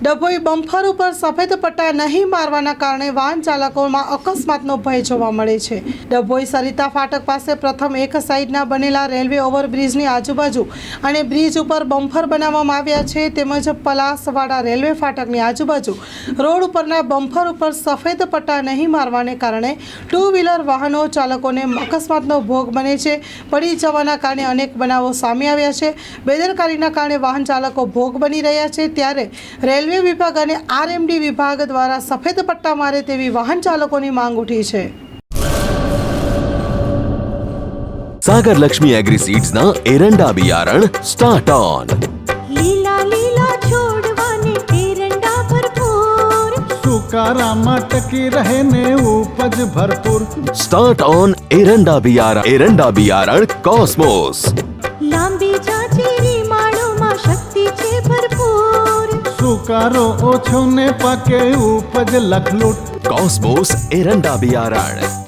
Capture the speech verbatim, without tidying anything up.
Dabhoi bumper ઉપર સફેદ પટ્ટા નહીં મારવાના કારણે વાહન ચાલકોમાં અકસ્માતનો ભય જોવા મળે છે। ડભોઈ સરિતા ફાટક પાસે પ્રથમ એક સાઈડના બનેલા રેલવે ઓવરબ્રિજની આજુબાજુ અને બ્રિજ ઉપર બમ્પર બનાવવામાં આવ્યા છે, તેમજ પલાસવાડા રેલવે ફાટકની આજુબાજુ રોડ ઉપરના બમ્પર ઉપર સફેદ પટ્ટા નહીં મારવાને કારણે ટુ વ્હીલર વાહનો ચાલકોને અકસ્માતનો ભોગ બને છે। પડી જવાના કારણે અનેક બનાવો સામે આવ્યા છે। બેદરકારીના કારણે વાહન ચાલકો ભોગ બની રહ્યા છે, ત્યારે રેલવે વિભાગ અને આરએમડી વિભાગ દ્વારા સફેદ પટ્ટા મારે તેવી વાહન ચાલકોની માંગ ઉઠી છે। सागर लक्ष्मी एग्री सीड्स ना एरंडा बियारण स्टार्ट ऑन। લીલા લીલા છોડવાને એરંડા ભરપૂર, સુકારામાં ટકી રહે ને ઉપજ ભરપૂર। स्टार्ट ऑन एरंडा बियारण एरंडा बियारण कॉस्मोस। લાંબી જાચેરી માળોમાં શક્તિ છે ભરપૂર, સુકારો ઓછો ને પાકે ઉપજ લખલૂટ। कॉस्मोस एरंडा बियारण।